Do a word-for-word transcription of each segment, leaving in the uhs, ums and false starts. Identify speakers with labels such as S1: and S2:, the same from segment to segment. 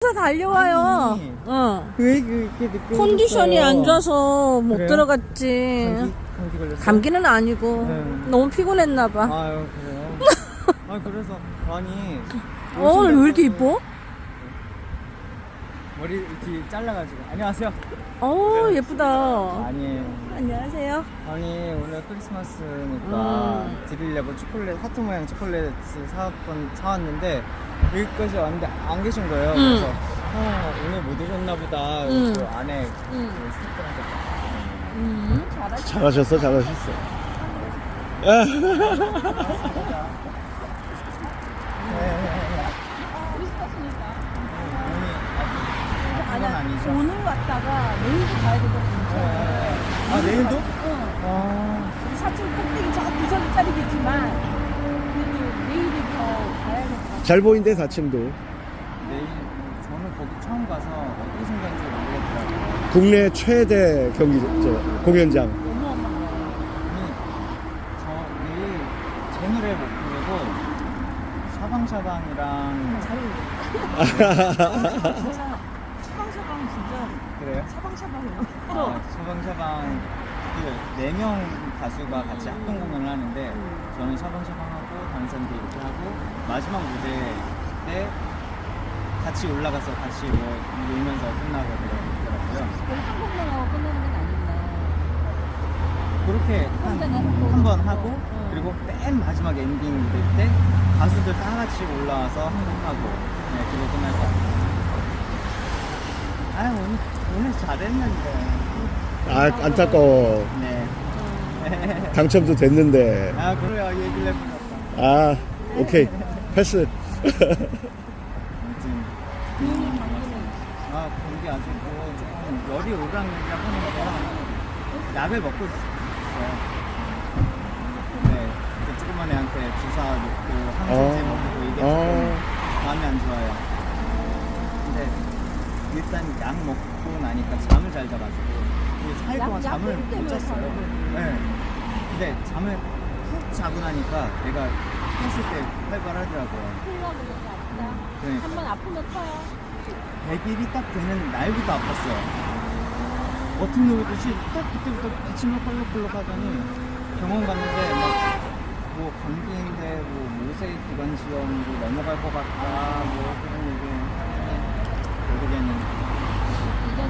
S1: 아침부터 달려와요.
S2: 아니.
S1: 어.
S2: 왜 그렇게 늦게
S1: 컨디션이
S2: 오셨어요?
S1: 안 좋아서 못
S2: 그래요?
S1: 들어갔지.
S2: 감기, 감기 걸렸어요?
S1: 감기는 아니고
S2: 네.
S1: 너무 피곤했나 봐.
S2: 아유 그래요? 아 그래서 아니
S1: 어, 오늘 왜 이렇게 이뻐?
S2: 머리 뒤 잘라가지고 안녕하세요.
S1: 어, 예쁘다.
S2: 아니에요.
S1: 안녕하세요.
S2: 아니 오늘 크리스마스니까
S1: 음.
S2: 드리려고 초콜릿 하트 모양 초콜릿을 사왔건 사왔는데 여기까지 왔는데 안 계신 거예요.
S1: 음.
S2: 그래서 아, 오늘 못 오셨나 보다.
S1: 음.
S2: 그 안에
S1: 음.
S2: 그 스태프들한테
S1: 음, 잘하시.
S3: 잘하셨어, 잘하셨어.
S2: 그건 아니죠.
S1: 오늘 왔다가 내일도 가야 되거든요.
S2: 아 내일도?
S1: 응.
S2: 아
S1: 사촌 꼭대기 저 부산짜리겠지만 그래도 내일이 더 가야겠다.
S3: 잘 보인대, 사 층도.
S2: 내일 저는 거기 처음 가서 어떻게 생겼는지 모르겠더라고요.
S3: 국내 최대 경기, 저, 공연장.
S1: 어마어마해.
S2: 아니 저 내일 제 노래 못 부르고 샤방샤방이랑
S1: 잘 진짜 샤방샤방 진짜
S2: 그래요?
S1: 샤방샤방이야.
S2: 아, 샤방샤방 그 네 명 가수가 같이 합동 공연을 하는데 저는 샤방샤방하고 다른 사람들 이렇게 하고 마지막 무대 때 같이 올라가서 같이 뭐 놀면서 끝나고 그러더라고요.
S1: 그럼 한 번만 하고 끝나는 건 아닌데.
S2: 그렇게 한 번 하고
S1: 응.
S2: 그리고 맨 마지막 엔딩 무대 때 가수들 다 같이 올라와서 한 번 하고 네 그리고 끝날 것 같아요. 아 오늘 오늘 잘했는데.
S3: 아, 안타까워.
S2: 네.
S3: 당첨도 됐는데.
S2: 아 그래요 얘기를 해보셨다.
S3: 아, 오케이. 패스.
S2: 아무튼
S1: 눈이 감기는.
S2: 아 감기 아직 뭐 조금 열이 오르락내리락 하니까 약을 먹고 있어요. 네, 그 조그만 애한테 주사 놓고 항생제
S3: 어.
S2: 먹고 이게
S3: 어.
S2: 조금 마음이 안 좋아요. 근데 일단 약 먹고 나니까 잠을 잘 자가지고 사 일 동안
S1: 약-
S2: 잠을
S1: 약
S2: 못
S1: 때문에
S2: 잤어요.
S1: 자는
S2: 네. 근데 잠을 푹 자고 나니까 내가 탔을 때 활발하더라고요.
S1: 풀려고 그렇게 아프다.
S2: 그러니까.
S1: 한 번 아프면 터요.
S2: 백 일이 딱 되는 날부터 아팠어요. 버튼 누르듯이 딱 그때부터 기침을 펄럭펄럭 하더니 병원 갔는데 막 뭐 감기인데 뭐 모세 기관지염으로 넘어갈 것 같다 뭐 그런 얘기 하더니 결국에는
S1: 이전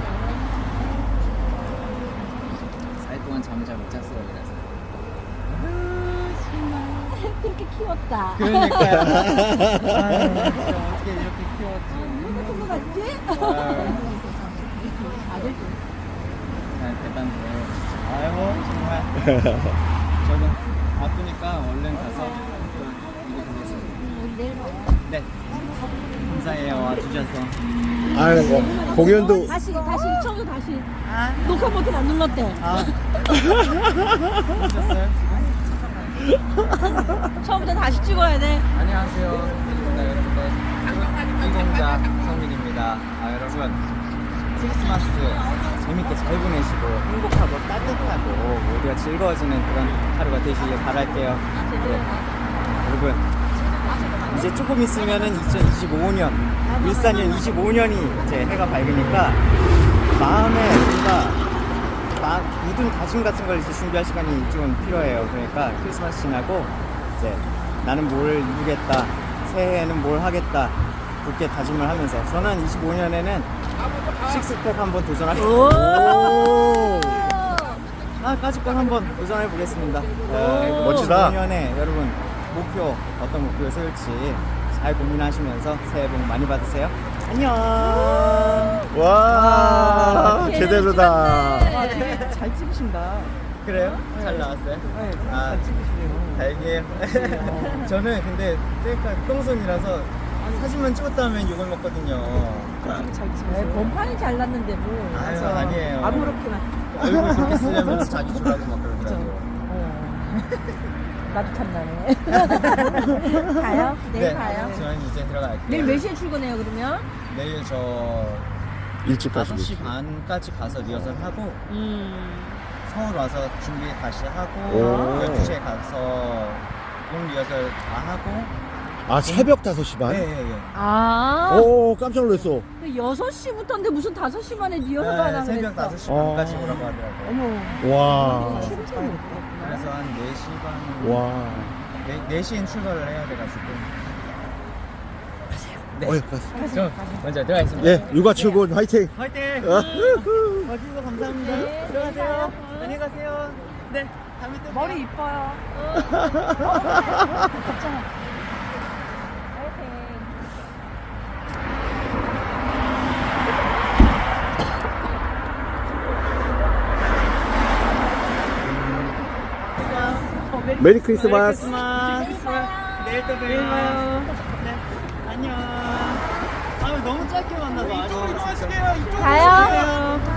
S2: 사 일 동안 잠을 잘 못 잤어요. 그래서
S1: 그렇게 키웠다.
S2: 그러니까요. 아유, 진짜 어떻게 이렇게 키웠지?
S1: 누가 같은 거 같지?
S2: 아유,
S1: 아들
S2: 네, 대단해요. 아유 정말 저는 아프니까 얼른 가서 또 이거 보겠습니다.
S1: 내일 봐요.
S2: 네. 감사해요. 와주셔서.
S3: 아, 뭐, 공연도.
S1: 다시 다시 처음부터 다시 녹화 버튼 안 눌렀대.
S2: 아. 오셨어요?
S1: 처음부터 다시 찍어야 돼.
S2: 안녕하세요. 성민입니다, 여러분들. 이공자 성민입니다. 아, 여러분. 크리스마스 재밌게 잘 보내시고 행복하고 따뜻하고 모두가 즐거워지는 그런 하루가 되시길 바랄게요. 네. 여러분. 이제 조금 있으면은 이천이십오 년, 일사년 이십오 년이 이제 해가 밝으니까 마음에 뭔가 막 묻은 다짐 같은 걸 이제 준비할 시간이 좀 필요해요. 그러니까 크리스마스 지나고 이제 나는 뭘 이루겠다, 새해에는 뭘 하겠다, 굳게 다짐을 하면서 저는 이십오 년에는 식스팩 한번 도전하겠습니다.
S3: 오!
S2: 아, 까짓건 한번 도전해 보겠습니다.
S3: 멋지다.
S2: 이십오 년에 여러분 목표 어떤 목표를 세울지 잘 고민하시면서 새해 복 많이 받으세요. 안녕.
S3: 와, 제대로다.
S1: 와, 되게 잘 찍으신다.
S2: 그래요? 잘 나왔어요?
S1: 네,
S2: 아,
S1: 잘 찍으시네요.
S2: 다행이에요. 저는 근데 셀카 똥손이라서 사진만 찍었다면 욕을 먹거든요.
S1: 잘 찍으세요. 본판이 잘 났는데 뭐.
S2: 아유, 아니에요.
S1: 아무렇게나.
S2: 얼굴 그렇게 쓰려면 자기 주라고 막 그러더라고요.
S1: 어. 나도 탐나네. 가요? 내일 가요?
S2: 저는 이제 들어갈게요.
S1: 내일 몇 시에 출근해요 그러면?
S2: 내일 저
S3: 일찍 가시고.
S2: 다섯 시 반까지 가서 리허설 하고
S1: 음.
S2: 서울 와서 준비 다시 하고
S3: 오.
S2: 열두 시에 가서 용 리허설 다 하고
S3: 아, 새벽 다섯 시 반?
S2: 네, 예, 예.
S1: 아.
S3: 오, 깜짝 놀랐어.
S1: 여섯 시부터인데 무슨 다섯 시 반에 리허설 하나
S2: 네, 새벽
S1: 그랬어.
S2: 다섯 시
S3: 어.
S2: 반까지 오라고 하더라고요.
S1: 어머.
S3: 와.
S2: 그래서 한 네 시 반,
S3: 와.
S2: 네, 네 시엔 출발을 해야 돼가지고. 네.
S3: 어이, 가서.
S2: 저 먼저 들어가겠습니다.
S3: 예, 육아 출근 화이팅!
S2: 화이팅!
S3: 어.
S2: 와주셔서 감사합니다.
S1: 네,
S2: 들어가세요. 안녕히 가세요. 네, 다음에 또
S1: 머리
S2: 봬요.
S1: 이뻐요. 괜찮아. 화이팅.
S3: 메리 크리스마스!
S2: 내일 또 봬요. 네, 안녕. 아, 너무 짧게 만나서. 이쪽으로 이동하실게요. 이쪽으로
S1: 가요.
S2: 이동하세요.